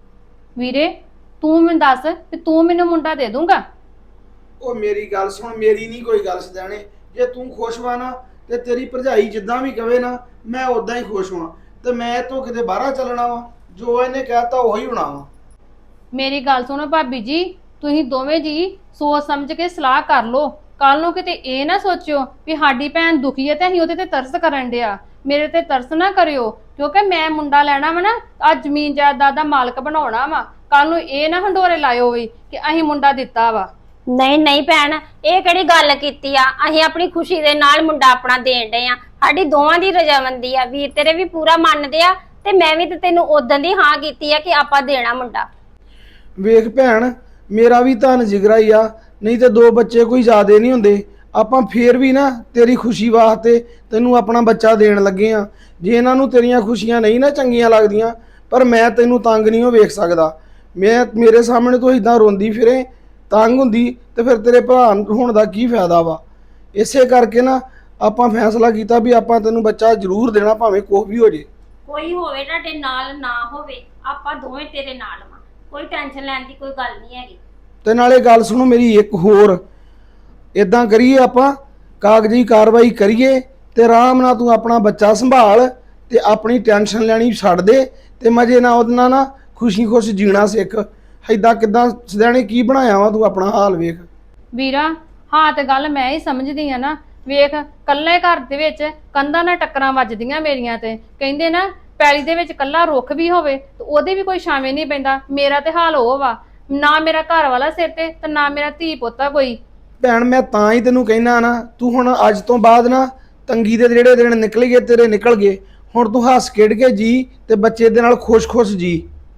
F: ਵੀਰੇ ਤੂੰ ਮੈਨੂੰ ਦੱਸ ਵੀ ਤੂੰ ਮੈਨੂੰ ਮੁੰਡਾ ਦੇ ਦੂੰਗਾ?
A: ਉਹ ਮੇਰੀ ਗੱਲ ਸੁਣ, ਮੇਰੀ ਨਹੀਂ ਕੋਈ ਗੱਲ ਸਦਾਣੇ, ਜੇ ਤੂੰ ਖੁਸ਼ ਵਾ ਨਾ ਤੇ ਤੇਰੀ ਭਰਜਾਈ ਜਿੱਦਾਂ ਵੀ ਕਵੇ ਨਾ ਮੈਂ ਉਦਾਂ ਹੀ ਖੁਸ਼ ਵਾਂ, ਤੇ ਮੈਂ ਤੋਂ ਕਿਤੇ ਬਾਹਰ ਚੱਲਣਾ ਵਾ, ਜੋ ਇਹਨੇ ਕਹਿਤਾ ਉਹੀ ਹੋਣਾ ਵਾ।
F: ਮੇਰੀ ਗੱਲ ਸੁਣੋ ਭਾਬੀ ਜੀ, ਤੁਸੀਂ ਦੋਵੇਂ ਜੀ ਸੋਚ ਸਮਝ ਕੇ ਸਲਾਹ ਕਰ ਲਓ, ਕੱਲ ਨੂੰ ਕਿਤੇ ਇਹ ਨਾ ਸੋਚਿਓ ਵੀ ਸਾਡੀ ਭੈਣ ਦੁਖੀ ਹੈ ਤੇ ਅਸੀਂ ਉਹਦੇ ਤੇ ਤਰਸ ਕਰਨ ਡਿਆ। ਮੇਰੇ ਤੇ ਤਰਸ ਨਾ ਕਰਿਓ, ਕਿਉਂਕਿ ਮੈਂ ਮੁੰਡਾ ਲੈਣਾ ਵਾ ਨਾ, ਅੱਜ ਜ਼ਮੀਨ ਜਾਇਦਾਦ ਦਾ ਮਾਲਕ ਬਣਾਉਣਾ ਵਾ, ਕੱਲ ਨੂੰ ਇਹ ਨਾ ਹੰਡੋਰੇ ਲਾਇਓ ਵੀ ਕਿ ਅਸੀਂ ਮੁੰਡਾ ਦਿੱਤਾ ਵਾ।
B: ਨਹੀਂ ਨਹੀਂ ਭੈਣ, ਇਹ ਕਿਹੜੀ ਗੱਲ ਕੀਤੀ ਆ, ਅਸੀਂ ਆਪਣੀ ਖੁਸ਼ੀ ਦੇ ਨਾਲ ਮੁੰਡਾ ਆਪਣਾ ਦੇਣ ਡਏ ਆ, ਸਾਡੀ ਦੋਵਾਂ ਦੀ ਰਜਾਮੰਦੀ ਆ, ਵੀਰ ਤੇਰੇ ਵੀ ਪੂਰਾ ਮੰਨਦੇ ਆ ਤੇ ਮੈਂ ਵੀ ਤੇ ਤੈਨੂੰ ਉਦੋਂ ਦੀ ਹਾਂ ਕੀਤੀ ਆ ਕਿ ਆਪਾਂ ਦੇਣਾ ਮੁੰਡਾ।
A: ਵੇਖ ਭੈਣ, ਮੇਰਾ ਵੀ ਧਨ ਜਿਗਰਾ ਹੀ ਆ, ਨਹੀਂ ਤੇ ਦੋ ਬੱਚੇ ਕੋਈ ਜ਼ਿਆਦੇ ਨਹੀਂ ਹੁੰਦੇ, ਆਪਾਂ ਫੇਰ ਵੀ ਨਾ ਤੇਰੀ ਖੁਸ਼ੀ ਵਾਸਤੇ ਤੈਨੂੰ ਆਪਣਾ ਬੱਚਾ ਦੇਣ ਲੱਗੇ ਆ। ਜੇ ਇਹਨਾਂ ਨੂੰ ਤੇਰੀਆਂ ਖੁਸ਼ੀਆਂ ਨਹੀਂ ਨਾ ਚੰਗੀਆਂ ਲੱਗਦੀਆਂ, ਪਰ ਮੈਂ ਤੈਨੂੰ ਤੰਗ ਨਹੀਂ ਉਹ ਵੇਖ ਸਕਦਾ। ਮੈਂ ਮੇਰੇ ਸਾਹਮਣੇ ਤੋਂ ਇਦਾਂ ਰੋਂਦੀ ਫਿਰੇ ਤੰਗ ਹੁੰਦੀ ਤੇ ਫਿਰ ਤੇਰੇ ਭਰਾ ਹੋਣ ਦਾ ਕੀ ਫਾਇਦਾ ਵਾ। ਇਸੇ ਕਰਕੇ ਨਾ ਆਪਾਂ ਫੈਸਲਾ ਕੀਤਾ ਵੀ ਆਪਾਂ ਤੈਨੂੰ ਬੱਚਾ ਜ਼ਰੂਰ ਦੇਣਾ, ਭਾਵੇਂ ਕੁਛ ਵੀ ਹੋ ਜੇ।
B: ਕੋਈ ਹੋਵੇ ਤੁਹਾਡੇ ਨਾਲ ਨਾ ਹੋਵੇ, ਆਪਾਂ ਦੋਵੇਂ ਤੇਰੇ ਨਾਲ ਵਾਂ, ਕੋਈ ਟੈਨਸ਼ਨ ਲੈਣ ਦੀ ਕੋਈ ਗੱਲ ਨਹੀਂ ਹੈਗੀ।
A: ਤੇ ਨਾਲੇ ਗੱਲ ਸੁਣੋ ਮੇਰੀ ਇੱਕ ਹੋਰ, ਇਦਾਂ ਕਰੀਏ ਆਪਾਂ ਕਾਗਜ਼ੀ ਕਾਰਵਾਈ ਕਰੀਏ ਤੇ ਆਰਾਮ ਨਾਲ ਤੂੰ ਆਪਣਾ ਬੱਚਾ ਸੰਭਾਲ ਤੇ ਆਪਣੀ ਟੈਨਸ਼ਨ ਲੈਣੀ ਛੱਡ ਦੇ ਤੇ ਮਜੇ ਨਾਲ ਉਹਦੇ ਨਾਲ ਨਾ ਖੁਸ਼ੀ ਖੁਸ਼ ਜੀਣਾ ਸਿੱਖ। ਏਦਾਂ ਕਿਦਾਂ ਸਦੈਣੇ ਕੀ ਬਣਾਇਆ ਵਾ ਤੂੰ, ਆਪਣਾ ਹਾਲ ਵੇਖ।
F: ਵੀਰਾ ਹਾਂ ਤੇ ਗੱਲ ਮੈਂ ਹੀ ਸਮਝਦੀ ਆ ਨਾ, ਵੇਖ ਕੱਲੇ ਘਰ ਦੇ ਵਿੱਚ ਕੰਧਾਂ ਨਾਲ ਟੱਕਰਾਂ ਵੱਜਦੀਆਂ ਮੇਰੀਆਂ ਤੇ ਕਹਿੰਦੇ ਨਾ ਪੈਲੀ ਦੇ ਵਿੱਚ ਕੱਲਾ ਰੁੱਖ ਵੀ ਹੋਵੇ ਤੇ ਉਹਦੇ ਵੀ ਕੋਈ ਛਾਵੇਂ ਨਹੀਂ ਪੈਂਦਾ। ਮੇਰਾ ਤੇ ਹਾਲ ਉਹ ਵਾ, ਨਾ ਮੇਰਾ ਘਰ ਵਾਲਾ ਸਿਰ ਤੇ ਤੇ ਨਾ ਮੇਰਾ ਧੀ ਪੋਤਾ ਕੋਈ।
A: ਭੈਣ ਮੈਂ ਤਾਂ ਹੀ ਤੈਨੂੰ ਕਹਿਣਾ ਨਾ, ਤੂੰ ਹੁਣ ਅੱਜ ਤੋਂ ਬਾਅਦ ਨਾ ਤੰਗੀ ਦੇ ਜਿਹੜੇ ਦਿਨ ਨਿਕਲ ਗਏ ਤੇਰੇ ਨਿਕਲ ਗਏ। ਹੁਣ ਤੂੰ ਹੱਸ ਖੇਡ ਕੇ ਜੀ ਤੇ ਬੱਚੇ ਦੇ ਨਾਲ ਖੁਸ਼-ਖੁਸ਼ ਜੀ।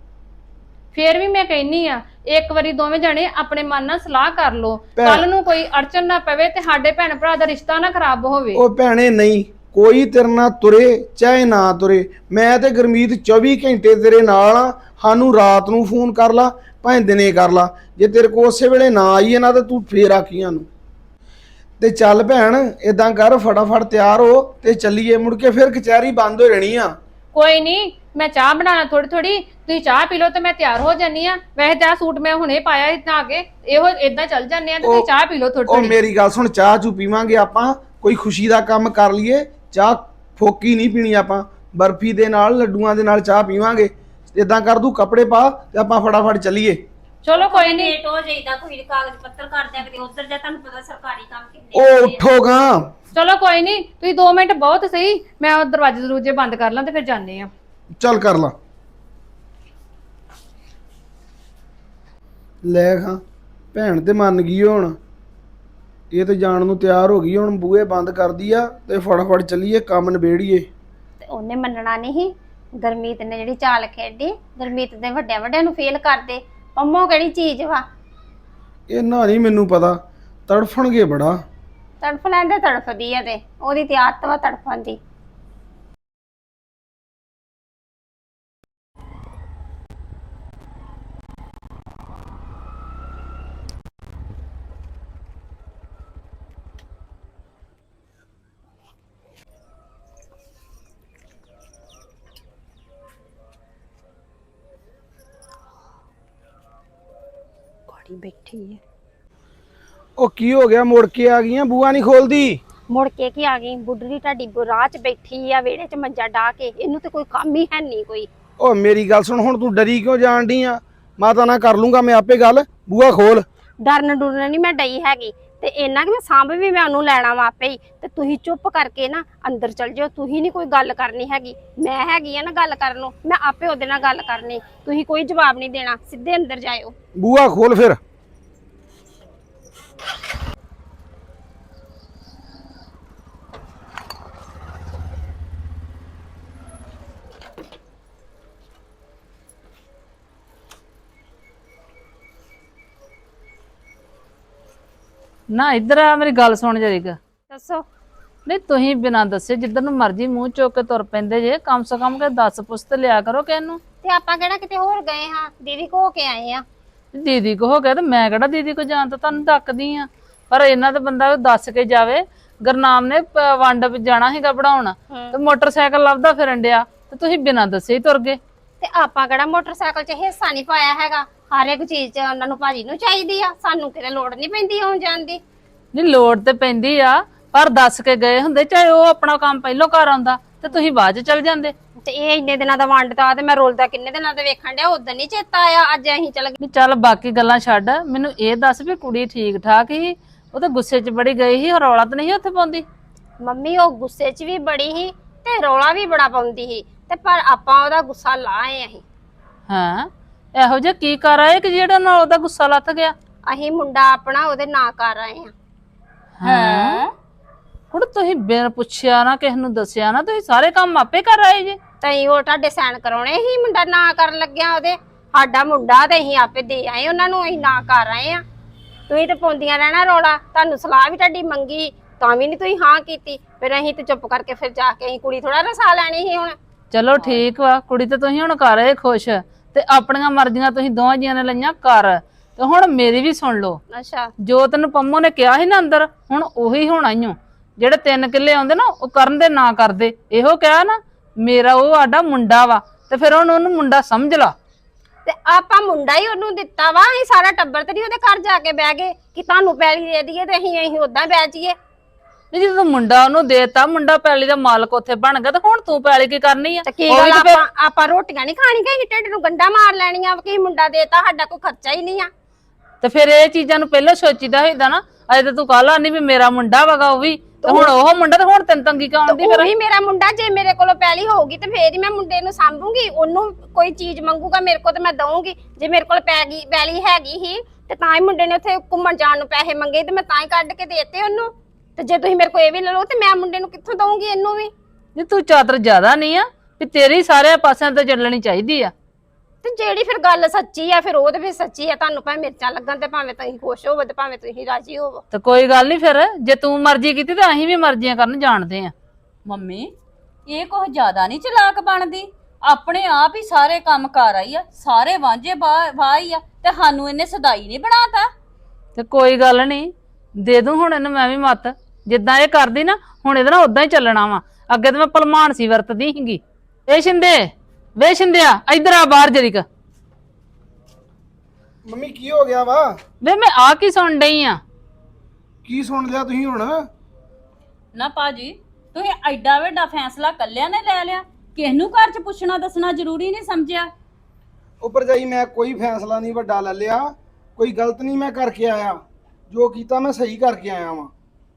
F: ਫੇਰ ਵੀ ਮੈਂ ਕਹਿੰਨੀ ਆ ਇੱਕ ਵਾਰੀ ਦੋਵੇਂ ਜਣੇ ਆਪਣੇ ਮਨ ਨਾਲ ਸਲਾਹ ਕਰ ਲਓ,
A: ਭੈਣ-
F: ਕੱਲ ਨੂੰ ਕੋਈ ਅੜਚਨ ਨਾ ਪਵੇ ਤੇ ਸਾਡੇ ਭੈਣ ਭਰਾ ਦਾ ਰਿਸ਼ਤਾ ਨਾ ਖਰਾਬ ਹੋਵੇ।
A: ਉਹ ਭੈਣੇ ਨਹੀਂ, ਕੋਈ ਤੇਰੇ ਨਾਲ ਤੁਰੇ ਚਾਹੇ ਨਾ ਤੁਰੇ, ਮੈਂ ਤੇ ਗੁਰਮੀਤ ਚੌਵੀ ਘੰਟੇ ਤੇਰੇ ਨਾਲ ਆ। ਸਾਨੂੰ ਰਾਤ ਨੂੰ ਫੋਨ ਕਰ ਲਾ ਭਾਵੇਂ ਦਿਨੇ ਕਰ ਲਾ, ਜੇ ਤੇਰੇ ਕੋਲ ਉਸੇ ਵੇਲੇ ਨਾ ਆਈਏ ਨਾ ਤਾਂ ਤੂੰ ਫੇਰ ਆਖੀਆਂ ਨੂੰ। ਤੇ ਚੱਲ ਭੈਣ ਇਦਾਂ ਕਰ, ਫਟਾਫਟ ਤਿਆਰ ਹੋ ਤੇ ਚੱਲੀਏ, ਮੁੜ ਕੇ ਫਿਰ ਕਚਹਿਰੀ ਬੰਦ ਹੋ ਰਹਿਣੀ ਆ।
F: ਕੋਈ ਨਹੀਂ, ਮੈਂ ਚਾਹ ਬਣਾਣਾ ਥੋੜੀ ਥੋੜੀ, ਤੁਸੀਂ ਚਾਹ ਪੀ ਲਓ ਤੇ ਮੈਂ ਤਿਆਰ ਹੋ ਜਾਨੀ ਆ। ਵੈਸੇ ਤਾਂ ਸੂਟ ਮੈਂ ਹੁਣੇ ਪਾਇਆ ਇਦਾਂ ਆ ਕੇ, ਇਹੋ ਇਦਾਂ ਚੱਲ ਜਾਂਦੇ ਆ ਤੇ ਤੁਸੀਂ ਚਾਹ ਪੀ ਲਓ ਥੋੜੀ
A: ਉਹ
F: ਥੋੜੀ।
A: ਮੇਰੀ ਗੱਲ ਸੁਣ, ਚਾਹ ਚੂ ਪੀਵਾਂਗੇ ਆਪਾਂ, ਕੋਈ ਖੁਸ਼ੀ ਦਾ ਕੰਮ ਕਰ ਲਈਏ। ਚਾਹ ਫੋਕੀ ਨਹੀਂ ਪੀਣੀ ਆਪਾਂ, ਬਰਫੀ ਦੇ ਨਾਲ ਲੱਡੂਆਂ ਦੇ ਨਾਲ ਚਾਹ ਪੀਵਾਂਗੇ। ਇਦਾਂ ਕਰ ਤੂੰ ਕੱਪੜੇ ਪਾ ਤੇ ਆਪਾਂ ਫਟਾਫਟ ਚੱਲੀਏ।
F: ਚਲੋ ਕੋਈ ਨਹੀਂ,
B: ਲੇਟ ਹੋ ਜਾਈਦਾ, ਕੋਈ ਕਾਗਜ਼ ਪੱਤਰ ਕਰ ਦਿਆ ਕਦੇ ਉਧਰ ਜਾ, ਤੁਹਾਨੂੰ ਪਤਾ ਸਰਕਾਰੀ ਕੰਮ ਕਿੰਨੇ
A: ਉਹ
B: ਹੁੰਦੇ ਆ।
A: ਉੱਠੋਗਾ।
F: ਚਲੋ ਕੋਈ ਨਹੀਂ, ਤੁਸੀਂ ਦੋ ਮਿੰਟ ਬਹੁਤ ਸਹੀ, ਮੈਂ ਉਹ ਦਰਵਾਜ਼ੇ ਦਰੂਜੇ ਬੰਦ ਕਰ ਲਾਂ ਤੇ ਫਿਰ ਜਾਂਦੇ ਆ।
A: ਚੱਲ ਕਰ ਲਾ। ਲੈ ਖਾਂ ਭੈਣ ਤੇ ਮੰਨ ਗਈ ਹੁਣ, ਇਹ ਤੇ ਜਾਣ ਨੂੰ ਤਿਆਰ ਹੋ ਗਈ। ਹੁਣ ਬੂਹੇ ਬੰਦ ਕਰਦੀ ਆ ਤੇ ਫਟਾਫਟ ਚੱਲੀਏ, ਕੰਮ ਨਿਬੇੜੀਏ।
B: ਤੇ ਉਹਨੇ ਮੰਨਣਾ ਨਹੀਂ। ਗੁਰਮੀਤ ਨੇ ਜਿਹੜੀ ਚਾਲ ਖੇਡੀ, ਗੁਰਮੀਤ ਦੇ ਵੱਡਿਆਂ ਵੱਡਿਆਂ ਨੂੰ ਫੇਲ ਕਰਦੇ। ਪੰਮੋ ਕਿਹੜੀ ਚੀਜ਼ ਵਾ,
A: ਇਹਨਾਂ ਨਹੀਂ ਮੈਨੂੰ ਪਤਾ, ਤੜਫਣਗੇ ਬੜਾ।
B: ਤੜਫ ਲੈਂਦੇ ਤੜਫਦੀ ਆ, ਤੇ ਉਹਦੀ ਤੇ ਆਦਤ ਵਾ ਤੜਫਣ ਦੀ। ਬੈਠੀ ਹੈ,
A: ਉਹ ਕੀ ਹੋ ਗਿਆ, ਮੁੜ ਕੇ ਆ ਗਈਆਂ, ਬੂਆ ਨਹੀਂ ਖੋਲਦੀ?
B: ਮੁੜ ਕੇ ਕੀ ਆ ਗਈ? ਬੁੱਢੀ ਤੁਹਾਡੀ ਰਾਹ 'ਚ ਬੈਠੀ ਆ, ਵਿਹੜੇ 'ਚ ਮੰਜਾ ਢਾ ਕੇ, ਇਹਨੂੰ ਤੇ ਕੋਈ ਕੰਮ ਹੀ ਹੈ ਨਹੀਂ ਕੋਈ।
A: ਉਹ ਮੇਰੀ ਗੱਲ ਸੁਣ, ਹੁਣ ਤੂੰ ਡਰੀ ਕਿਉਂ ਜਾਣ ਡਈ ਆ? ਮਾਤਾ ਨਾਲ ਕਰ ਲੂੰਗਾ ਮੈਂ ਆਪੇ ਗੱਲ, ਬੂਆ ਖੋਲ।
B: ਡਰਨ ਡੁਰਨ ਨਹੀਂ ਮੈਂ ਡਈ ਹੈਗੀ, ਤੇ ਇੰਨਾ ਕਿ ਮੈਂ ਸਾਂਭ ਵੀ ਮੈਂ ਉਹਨੂੰ ਲੈਣਾ ਵਾ ਆਪੇ ਹੀ। ਤੇ ਤੁਸੀਂ ਚੁੱਪ ਕਰਕੇ ਨਾ ਅੰਦਰ ਚਲ ਜਾਓ, ਤੁਸੀਂ ਨਹੀਂ ਕੋਈ ਗੱਲ ਕਰਨੀ ਹੈਗੀ, ਮੈਂ ਹੈਗੀ ਆ ਨਾ ਗੱਲ ਕਰਨ ਨੂੰ, ਮੈਂ ਆਪੇ ਉਹਦੇ ਨਾਲ ਗੱਲ ਕਰਨੀ। ਤੁਸੀਂ ਕੋਈ ਜਵਾਬ ਨਹੀਂ ਦੇਣਾ, ਸਿੱਧੇ ਅੰਦਰ ਜਾਇਓ।
A: ਬੂਆ ਖੋਲ ਫਿਰ।
C: ਨਾ ਇੱਧਰ ਆ, ਮੇਰੀ ਗੱਲ ਸੁਣ ਜਰੀਕ।
B: ਦੱਸੋ।
C: ਨਹੀਂ ਤੁਸੀਂ ਬਿਨਾਂ ਦੱਸੇ ਜਿੱਧਰ ਨੂੰ ਮਰਜ਼ੀ ਮੂੰਹ ਚੁੱਕ ਕੇ ਤੁਰ ਪੈਂਦੇ ਜੇ, ਕਮ ਸੇ ਕਮ ਕੇ ਦਸ ਪੁੱਛ ਤੇ ਲਿਆ ਕਰੋ ਕਿਹਨੂੰ।
B: ਤੇ ਆਪਾਂ ਕਿਹੜਾ ਕਿਤੇ ਹੋਰ ਗਏ ਹਾਂ, ਦੀਦੀ ਕੋ ਹੋ ਕੇ ਆਏ ਆ।
C: ਦੀਦੀ ਕੋ ਹੋ ਗਿਆ ਤੇ ਮੈਂ ਕਿਹੜਾ ਦੀਦੀ ਕੋ ਜਾਣ ਤੋਂ ਤੁਹਾਨੂੰ ਡੱਕਦੀ ਆ, ਪਰ ਇਹਨਾਂ ਦਾ ਬੰਦਾ ਦੱਸ ਕੇ ਜਾਵੇ। ਗੁਰਨਾਮ ਨੇ ਪ- ਵੰਡ ਜਾਣਾ ਸੀਗਾ ਪੜਾਉਣ ਤੇ ਮੋਟਰਸਾਈਕਲ ਲੱਭਦਾ ਫਿਰਨ ਡਿਆ ਤੇ ਤੁਸੀਂ ਬਿਨਾਂ ਦੱਸੇ ਹੀ ਤੁਰ ਗਏ।
B: ਤੇ ਆਪਾਂ ਕਿਹੜਾ ਮੋਟਰਸਾਈਕਲ 'ਚ ਹਿੱਸਾ ਨਹੀਂ ਪਾਇਆ ਹੈਗਾ, ਹਰ ਇੱਕ ਚੀਜ਼ 'ਚ ਉਹਨਾਂ ਨੂੰ ਭਾਜੀ ਨੂੰ ਚਾਹੀਦੀ ਆ, ਸਾਨੂੰ ਕਿਤੇ ਲੋੜ ਨਹੀਂ ਪੈਂਦੀ ਆਉਣ ਜਾਣ ਦੀ।
C: ਨਹੀਂ ਲੋੜ ਤੇ ਪੈਂਦੀ ਆ, ਪਰ ਦੱਸ ਕੇ ਗਏ ਹੁੰਦੇ, ਚਾਹੇ ਉਹ ਆਪਣਾ ਕੰਮ ਪਹਿਲੋਂ ਕਰ ਆਉਂਦਾ ਤੇ ਤੁਸੀਂ ਬਾਅਦ ਚ ਚਲ ਜਾਂਦੇ।
B: ਤੇ ਇਹ ਇੰਨੇ ਦਿਨਾਂ ਦਾ ਵੰਡਤਾ ਤੇ ਮੈਂ ਰੋਲਦਾ ਕਿੰਨੇ ਦਿਨਾਂ ਦਾ ਵੇਖਣ ਡਿਆ, ਉਦੋਂ ਨਹੀਂ ਚੇਤਾ ਆਇਆ, ਅੱਜ ਅਸੀਂ ਚਲ ਗਏ।
C: ਨਹੀਂ ਚੱਲ ਬਾਕੀ ਗੱਲਾਂ ਛੱਡ, ਮੈਨੂੰ ਇਹ ਦੱਸ ਵੀ ਕੁੜੀ ਠੀਕ ਠਾਕ ਹੀ? ਉਹ ਤਾਂ ਗੁੱਸੇ 'ਚ ਬੜੀ ਗਈ ਸੀ, ਰੌਲਾ ਤਾਂ ਨਹੀਂ ਉੱਥੇ ਪਾਉਂਦੀ?
B: ਮੰਮੀ ਉਹ ਗੁੱਸੇ 'ਚ ਵੀ ਬੜੀ ਸੀ ਤੇ ਰੌਲਾ ਵੀ ਬੜਾ ਪਾਉਂਦੀ ਸੀ, ਤੇ ਪਰ ਆਪਾਂ ਉਹਦਾ ਗੁੱਸਾ ਲਾਏ ਅਸੀਂ।
C: ਹਾਂ, ਇਹੋ ਜਿਹਾ ਕੀ ਕਰ ਆਏ ਕਿ ਜਿਹੜਾ ਨਾਲ ਉਹਦਾ ਗੁੱਸਾ ਲੱਥ ਗਿਆ?
B: ਅਸੀਂ ਮੁੰਡਾ ਆਪਣਾ ਉਹਦੇ ਨਾਂ ਕਰ ਆਏ ਆ।
C: ਹਾਂ, ਹੁਣ ਤੁਸੀਂ ਬਿਨ ਪੁੱਛਿਆ ਨਾ, ਕਿਸੇ ਨੂੰ ਦੱਸਿਆ ਨਾ, ਤੁਸੀਂ ਸਾਰੇ ਕੰਮ ਆਪੇ ਕਰ ਆਏ ਜੇ।
B: ਤਈ ਉਹ ਤੁਹਾਡੇ ਸਾਈਨ ਕਰਾਉਣੇ ਸੀ, ਮੁੰਡਾ ਨਾਂ ਕਰਨ ਲੱਗਿਆ ਉਹਦੇ। ਸਾਡਾ ਮੁੰਡਾ ਤੇ ਅਸੀਂ ਆਪੇ ਦੇ ਆਏ ਉਹਨਾਂ ਨੂੰ, ਅਸੀਂ ਨਾਂ ਕਰ ਆਏ ਆ। ਤੁਸੀਂ ਤੇ ਪਾਉਂਦੀਆਂ ਰਹਿਣਾ ਰੌਲਾ, ਤੁਹਾਨੂੰ ਸਲਾਹ ਵੀ ਤੁਹਾਡੀ ਮੰਗੀ ਤਾਂ ਵੀ ਨਹੀਂ ਤੁਸੀਂ ਹਾਂ ਕੀਤੀ, ਫਿਰ ਅਸੀਂ ਤੇ ਚੁੱਪ ਕਰਕੇ ਫਿਰ ਜਾ ਕੇ ਅਸੀਂ ਕੁੜੀ ਥੋੜਾ ਰਸਾ ਲੈਣੀ ਸੀ ਹੁਣ।
C: ਚਲੋ ਠੀਕ ਵਾ, ਕੁੜੀ ਤੇ ਤੁਸੀਂ ਹੁਣ ਕਰ ਰਹੇ ਖੁਸ਼, ਤੇ ਆਪਣੀਆਂ ਮਰਜ਼ੀਆਂ ਤੁਸੀਂ ਦੋਵਾਂ ਜੀਆਂ ਨੇ ਲਈਆਂ ਕਰ, ਤੇ ਹੁਣ ਮੇਰੀ ਵੀ ਸੁਣ ਲਓ।
B: ਅੱਛਾ
C: ਜੋ ਤੈਨੂੰ ਪੰਮੋ ਨੇ ਕਿਹਾ ਸੀ ਨਾ ਅੰਦਰ, ਹੁਣ ਉਹੀ ਹੋਣਾ ਈ ਓ। ਜਿਹੜੇ ਤਿੰਨ ਕਿੱਲੇ ਆਉਂਦੇ ਨਾ ਉਹ ਕਰਨ ਦੇ ਨਾ ਕਰਦੇ, ਇਹੋ ਕਿਹਾ ਨਾ ਮੇਰਾ ਉਹ ਆਡਾ ਮੁੰਡਾ ਵਾ, ਤੇ ਫਿਰ ਉਹਨੂੰ ਉਹਨੂੰ ਮੁੰਡਾ ਸਮਝ ਲਾ।
B: ਤੇ ਆਪਾਂ ਮੁੰਡਾ ਹੀ ਉਹਨੂੰ ਦਿੱਤਾ ਵਾ, ਅਸੀਂ ਸਾਰਾ ਟੱਬਰ ਤੇ ਨਹੀਂ ਉਹਦੇ ਘਰ ਜਾ ਕੇ ਬਹਿ ਗਏ ਕਿ ਤੁਹਾਨੂੰ ਪੈਲੀ ਦੇ ਦਈਏ ਤੇ ਅਸੀਂ ਅਸੀਂ ਉਦਾਂ ਬਹਿ ਜਾਈਏ।
C: ਨਹੀਂ ਜਦੋਂ ਮੁੰਡਾ ਉਹਨੂੰ ਦੇਤਾ, ਮੁੰਡਾ ਪੈਲੀ ਦਾ ਮਾਲਕ ਉੱਥੇ ਬਣ ਗਿਆ, ਤੇ ਹੁਣ ਤੂੰ ਪੈਲੀ ਕੀ ਕਰਨੀ ਆ?
B: ਤੇ ਕੀ
C: ਉਹ ਵੀ
B: ਗੱਲ
C: ਤੇ ਫਿਰ-
B: ਆਪਾਂ ਆਪਾਂ ਰੋਟੀਆਂ ਨਹੀਂ ਖਾਣੀਆਂ ਕਿ ਢਿੱਡ ਨੂੰ ਗੰਡਾ ਮਾਰ ਲੈਣੀਆਂ ਕਿ ਮੁੰਡਾ ਦੇਤਾ, ਸਾਡਾ ਕੋਈ ਖਰਚਾ ਹੀ ਨਹੀਂ ਆ।
C: ਤੇ ਫਿਰ ਇਹ ਚੀਜ਼ਾਂ ਨੂੰ ਪਹਿਲਾਂ ਸੋਚੀਦਾ ਹੋਈਦਾ ਨਾ। ਅਜੇ ਤਾਂ ਤੂੰ ਕਾਲਾ ਨਹੀਂ ਵੀ ਮੇਰਾ ਮੁੰਡਾ ਵਗਾ ਉਹ ਵੀ, ਤੇ ਹੁਣ ਉਹ ਮੁੰਡਾ, ਤੇ ਹੁਣ ਤੈਨੂੰ ਤੰਗੀ ਕਿਉਂ ਆਉਂਦੀ? ਫਿਰ
B: ਉਹੀ ਮੇਰਾ ਮੁੰਡਾ, ਜੇ ਮੇਰੇ ਕੋਲੋਂ ਪੈਲੀ ਹੋਊਗੀ ਤੇ ਫੇਰ ਹੀ ਮੈਂ ਮੁੰਡੇ ਨੂੰ ਸਾਂਭੂਗੀ, ਉਹਨੂੰ ਕੋਈ ਚੀਜ਼ ਮੰਗੂਗਾ ਮੇਰੇ ਕੋਲ ਤੇ ਮੈਂ ਦਊਂਗੀ। ਜੇ ਮੇਰੇ ਕੋਲ ਪੈ ਗਈ ਪੈਲੀ ਹੈਗੀ ਹੀ ਤੇ ਤਾਂ ਹੀ ਮੁੰਡੇ ਨੇ ਉੱਥੇ ਘੁੰਮਣ ਜਾਣ ਨੂੰ ਪੈਸੇ ਮੰਗੇ ਤੇ ਮੈਂ ਤਾਂ ਹੀ ਕੱਢ ਕੇ ਦੇਤੇ ਉਹਨੂੰ। ਤੇ ਜੇ ਤੁਸੀਂ ਮੇਰੇ ਕੋਲ ਇਹ ਵੀ ਲੈ ਲਓ ਤੇ ਮੈਂ ਮੁੰਡੇ ਨੂੰ ਕਿੱਥੋਂ ਦਊਂਗੀ ਇਹਨੂੰ ਵੀ?
C: ਨਹੀਂ ਤੂੰ ਚਾਤਰ ਜ਼ਿਆਦਾ ਨਹੀਂ ਆ ਵੀ ਤੇਰੀ ਸਾਰੇ ਪਾਸਿਆਂ ਤੇ ਚੱਲਣੀ ਚਾਹੀਦੀ ਆ।
B: ਤੇ ਜਿਹੜੀ ਫਿਰ ਗੱਲ ਸੱਚੀ ਆ ਫਿਰ ਉਹ ਤੇ ਫਿਰ ਸੱਚੀ ਆ, ਤੁਹਾਨੂੰ ਭਾਵੇਂ ਮਿਰਚਾਂ ਲੱਗਣ ਤੇ ਭਾਵੇਂ ਤੁਸੀਂ ਖੁਸ਼ ਹੋਵੋ ਤੇ ਭਾਵੇਂ ਤੁਸੀਂ ਰਾਜੀ ਹੋਵੋ।
C: ਤੇ ਕੋਈ ਗੱਲ ਨਹੀਂ, ਫਿਰ ਜੇ ਤੂੰ ਮਰਜ਼ੀ ਕੀਤੀ ਤੇ ਅਸੀਂ ਵੀ ਮਰਜ਼ੀਆਂ ਕਰਨ ਜਾਣਦੇ ਆ।
D: ਮੰਮੀ ਇਹ ਕੁਝ ਜ਼ਿਆਦਾ ਨਹੀਂ ਚਲਾਕ ਬਣਦੀ, ਆਪਣੇ ਆਪ ਹੀ ਸਾਰੇ ਕੰਮ ਕਰ ਆਈ ਆ, ਸਾਰੇ ਵਾਂਝੇ ਵਾਹੀ ਆ, ਤੇ ਸਾਨੂੰ ਇਹਨੇ ਸਦਾਈ ਨਹੀਂ ਬਣਾਤਾ।
C: ਤੇ ਕੋਈ ਗੱਲ ਨਹੀਂ, ਦੇ ਦੂੰ ਹੁਣ ਇਹਨੂੰ ਮੈਂ ਵੀ ਮੱਤ, ਜਿੱਦਾਂ ਇਹ ਕਰਦੀ ਨਾ ਹੁਣ ਇਹਦੇ ਨਾਲ ਉਦਾਂ ਹੀ ਚੱਲਣਾ ਵਾ। ਅੱਗੇ ਤੇ ਮੈਂ ਭਲਮਾਨ ਸੀ ਵਰਤਦੀ ਸੀਗੀ। ਇਹ ਸ਼ਿੰਦੇ ਵੇ ਸ਼ਿੰਦਿਆ ਇੱਧਰ ਆ ਬਾਹਰ ਜਰੀਕ।
A: ਮੰਮੀ ਕੀ ਹੋ ਗਿਆ ਵਾ?
C: ਵੇ ਮੈਂ ਆ ਕੀ ਸੁਣ ਡਈ ਆ?
A: ਕੀ ਸੁਣ ਲਿਆ ਤੁਸੀਂ ਹੁਣ?
D: ਨਾ ਭਾਜੀ ਤੁਸੀਂ ਐਡਾ ਵੱਡਾ ਫੈਸਲਾ ਕੱਲਿਆਂ ਨੇ ਲੈ ਲਿਆ, ਕਿਸ ਨੂੰ ਘਰ 'ਚ ਪੁੱਛਣਾ ਦੱਸਣਾ ਜ਼ਰੂਰੀ ਨਹੀਂ ਸਮਝਿਆ?
A: ਉੱਪਰ ਜਾਈ ਮੈਂ ਕੋਈ ਫੈਸਲਾ ਨਹੀਂ ਵੱਡਾ ਲੈ ਲਿਆ, ਕੋਈ ਗਲਤ ਨਹੀਂ ਮੈਂ ਕਰਕੇ ਆਇਆ, ਜੋ ਕੀਤਾ ਮੈਂ ਸਹੀ ਕਰਕੇ ਆਇਆ ਵਾਂ।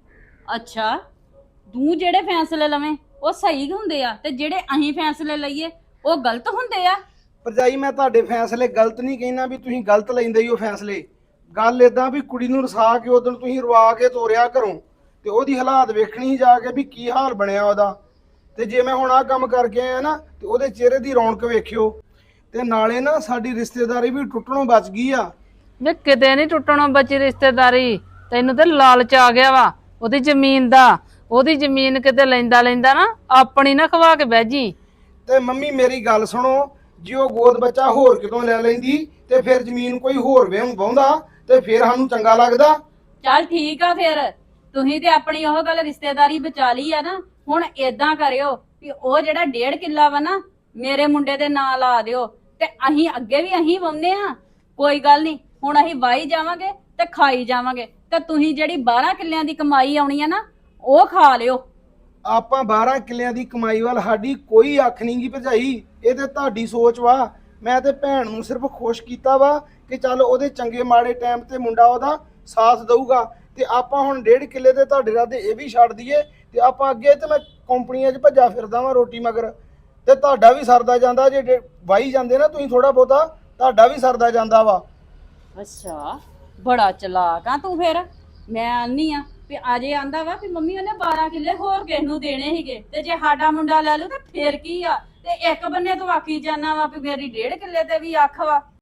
D: ਅੱਛਾ ਤੂੰ ਜਿਹੜੇ ਫੈਸਲੇ ਲਵੇਂ ਉਹ ਸਹੀ ਹੁੰਦੇ ਆ, ਤੇ ਜਿਹੜੇ ਅਸੀਂ ਫੈਸਲੇ ਲਈਏ ਉਹ ਗਲਤ ਹੁੰਦੇ ਆ।
A: ਭਰਜਾਈ ਮੈਂ ਤੁਹਾਡੇ ਫੈਸਲੇ ਗਲਤ ਨਹੀਂ ਕਹਿਣਾ ਵੀ ਤੁਸੀਂ ਗਲਤ ਲੈਂਦੇ ਹੀ ਹੋ ਫੈਸਲੇ। ਗੱਲ ਇਦਾਂ ਵੀ ਕੁੜੀ ਨੂੰ ਰਸਾ ਕੇ ਉਦੋਂ ਤੁਸੀਂ ਰਵਾ ਕੇ ਤੋਰਿਆ ਘਰੋਂ, ਤੇ ਉਹਦੀ ਹਾਲਾਤ ਵੇਖਣੀ ਸੀ ਜਾ ਕੇ ਵੀ ਕੀ ਹਾਲ ਬਣਿਆ ਉਹਦਾ। ਤੇ ਜੇ ਮੈਂ ਹੁਣ ਆਹ ਕੰਮ ਕਰਕੇ ਆਇਆ ਨਾ ਤੇ ਉਹਦੇ ਚਿਹਰੇ ਦੀ ਰੌਣਕ ਵੇਖਿਓ, ਤੇ ਨਾਲੇ ਨਾ ਸਾਡੀ ਰਿਸ਼ਤੇਦਾਰੀ ਵੀ ਟੁੱਟਣੋਂ ਬਚ ਗਈ ਆ।
C: ਵੇ ਕਿਤੇ ਨਹੀਂ ਟੁੱਟਣੋਂ ਬਚੀ ਰਿਸ਼ਤੇਦਾਰੀ, ਤੈਨੂੰ ਤੇ ਲਾਲਚ ਆ ਗਿਆ ਵਾ ਉਹਦੀ ਜ਼ਮੀਨ ਦਾ। ਉਹਦੀ ਜ਼ਮੀਨ ਕਿਤੇ ਲੈਂਦਾ ਲੈਂਦਾ ਨਾ ਆਪਣੀ ਨਾ ਖਵਾ ਕੇ ਬਹਿ ਜੀ।
A: ਤੇ ਮੰਮੀ ਮੇਰੀ ਗੱਲ ਸੁਣੋ, ਜੇ ਉਹ ਗੋਦ ਬੱਚਾ ਹੋਰ ਕਿਤੋਂ ਲੈ ਲੈਂਦੀ ਤੇ ਫਿਰ ਜ਼ਮੀਨ ਕੋਈ ਹੋਰ ਵੇਹੋਂ ਵਾਹੁੰਦਾ ਤੇ ਫਿਰ ਸਾਨੂੰ ਚੰਗਾ ਲੱਗਦਾ।
D: ਚੱਲ ਠੀਕ ਆ, ਫਿਰ ਤੁਸੀਂ ਤੇ ਆਪਣੀ ਉਹ ਗੱਲ ਰਿਸ਼ਤੇਦਾਰੀ ਬਚਾ ਲਈ ਆ ਨਾ। ਹੁਣ ਏਦਾਂ ਕਰਿਓ ਵੀ ਉਹ ਜਿਹੜਾ ਡੇਢ ਕਿੱਲਾ ਵਾ ਨਾ ਮੇਰੇ ਮੁੰਡੇ ਦੇ ਨਾਂ ਲਾ ਦਿਓ, ਤੇ ਅਸੀਂ ਅੱਗੇ ਵੀ ਅਸੀਂ ਵਾਉਂਦੇ ਆ, ਕੋਈ ਗੱਲ ਨਹੀਂ। ਹੁਣ ਅਸੀਂ ਵਾਈ ਜਾਵਾਂਗੇ ਤੇ ਖਾਈ ਜਾਵਾਂਗੇ, ਤੇ ਤੁਸੀਂ ਜਿਹੜੀ ਬਾਰਾਂ ਕਿੱਲਿਆਂ ਦੀ ਕਮਾਈ ਆਉਣੀ ਆ ਨਾ ਉਹ ਖਾ ਲਿਓ।
A: ਆਪਾਂ ਬਾਰਾਂ ਕਿੱਲਿਆਂ ਦੀ ਕਮਾਈ ਵੱਲ ਸਾਡੀ ਕੋਈ ਅੱਖ ਨਹੀਂ ਗੀ ਭਰਜਾਈ, ਇਹ ਤੇ ਤੁਹਾਡੀ ਸੋਚ ਵਾ। ਮੈਂ ਤੇ ਭੈਣ ਨੂੰ ਸਿਰਫ ਖੁਸ਼ ਕੀਤਾ ਵਾ ਕਿ ਚੱਲ ਉਹਦੇ ਚੰਗੇ ਮਾੜੇ ਟਾਈਮ ਤੇ ਮੁੰਡਾ ਉਹਦਾ ਸਾਥ ਦਊਗਾ। ਤੇ ਆਪਾਂ ਹੁਣ ਡੇਢ ਕਿੱਲੇ ਤੇ ਤੁਹਾਡੇ ਰਾਦੇ ਇਹ ਵੀ ਛੱਡ ਦਈਏ ਤੇ ਆਪਾਂ ਅੱਗੇ ਤੇ ਮੈਂ ਕੰਪਨੀਆਂ 'ਚ ਭੱਜਾ ਫਿਰਦਾ ਵਾਂ ਰੋਟੀ ਮਗਰ, ਤੇ ਤੁਹਾਡਾ ਵੀ ਸਰਦਾ ਜਾਂਦਾ। ਜੇ ਵਾਈ ਜਾਂਦੇ ਨਾ ਤੁਸੀਂ ਥੋੜਾ ਬਹੁਤਾ, ਤੁਹਾਡਾ ਵੀ ਸਰਦਾ ਜਾਂਦਾ ਵਾ।
D: ਅੱਛਾ ਬੜਾ ਚਲਾਕ ਆ ਤੂੰ। ਫਿਰ ਮੈਂ ਆਨੀ ਆ ਵੀ ਅਜੇ ਆਂਦਾ ਵਾ ਵੀ ਮੰਮੀ ਉਹਨੇ ਬਾਰਾਂ ਕਿੱਲੇ ਹੋਰ ਕਿਸ ਨੂੰ ਦੇਣੇ ਸੀਗੇ, ਤੇ ਜੇ ਸਾਡਾ ਮੁੰਡਾ ਲੈ ਲੂ ਤਾਂ ਫੇਰ ਕੀ ਆ? ਤੇ ਇੱਕ ਬੰਨੇ ਤੂੰ ਆਖੀ ਜਾਨਾ ਵਾ ਵੀ ਮੇਰੀ ਡੇਢ ਕਿੱਲੇ ਤੇ ਵੀ ਅੱਖ ਵਾ।